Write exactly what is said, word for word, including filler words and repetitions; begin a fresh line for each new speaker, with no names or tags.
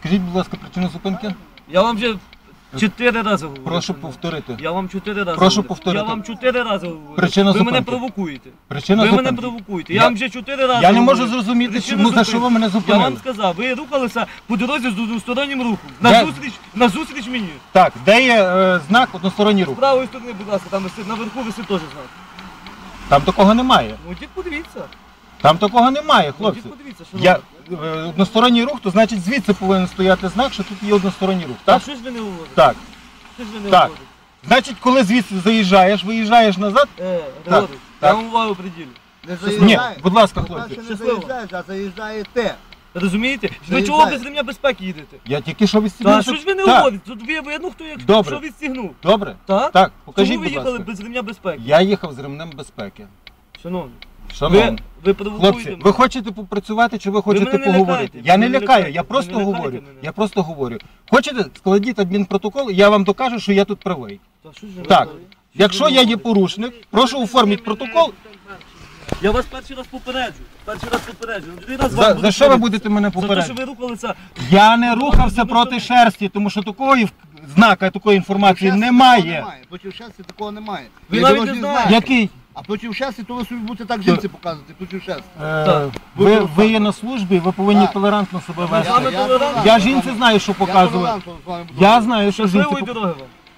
Скажіть, будь ласка, причину зупинки?
Я вам вже чотири рази говорю.
Прошу повторити.
Я вам чотири рази
Прошу
говорю.
повторити.
Я вам чотири рази говорю.
Причина
ви мене
зупинки.
провокуєте.
Причина
ви
зупинки.
мене провокуєте.
Я-
Я вам вже чотири рази
Я не
говорю.
можу зрозуміти,
Причина
чому, за
зупинки.
що ви мене
Я
зупинили.
вам сказав, ви рухалися по дорозі з одностороннім рухом.
Де?
На зустріч, на зустріч мені.
Так, де є е, знак односторонній рух?
З правої сторони, будь ласка, там висить, наверху висить теж знак.
Там такого немає.
Ну, йдіть подивіться.
Там такого немає,
Ну,
хлопці.
йдіть подивіться, що
Я, е, односторонній рух, то значить звідси повинен стояти знак, що тут є односторонній рух,
А
так?
що ж ви не говорите?
Так.
Що ж ви не
Так.
говорите?
Значить, коли звідси заїжджаєш, виїжджаєш назад.
Е, Григорій,
так.
я вам увагу приділю.
Не
Ні,
заїжджає.
будь ласка,
По-перше,
хлопці.
не
Щасливо.
заїжджаєш, а заїжджаєте.
Розумієте? Ви
Заїжджає.
чого без ремня безпеки їдете?
Я тільки що
Та
відстігнув.
що ж ви не
Так.
говорите? Тут ви видно, хто як
Добре.
що відстігнув.
Добре?
Так?
Так, покажіть,
Чому ви
будь
їхали
ласка.
без ремня безпеки?
Я їхав з ремнем безпеки.
Шановні,
Шановні.
ви, ви провокуєте
Хлопці,
мене.
ви хочете попрацювати чи ви хочете
мене не
поговорити?
лякайте,
Я
ви
не
мене
лякаю,
лякайте,
я
ви
просто
не
говорю.
лякайте мене.
Я просто говорю. Хочете, складіть адмінпротокол, і я вам докажу, що я тут правий.
Та що ж ви
Так,
говорите?
якщо я є порушник, прошу оформіть протокол.
Я вас перший раз попереджу. Перший раз попереджу. Другий раз
За,
вам
за
буду
що ви
говорити.
будете мене
За те, що
попереджувати?
ви рухалися.
Я не рухався проти шерсті, тому що такої в- знака, такої інформації
Проти
немає.
Проти шерсті такого немає.
Ви
Є
навіть
дорожній
не
знак.
знаєте.
Який?
А проти шерсті, то ви собі будете так жінці показувати, проти шерсті.
Е,
Так.
ви, ви є на службі, ви повинні
Так.
толерантно себе
Ми з вами
вести.
толерантні.
Я жінці знаю, що показувати.
толерантно з вами буду
Я
говорити.
знаю, що жінці
Щасливої
пок-
дороги вам.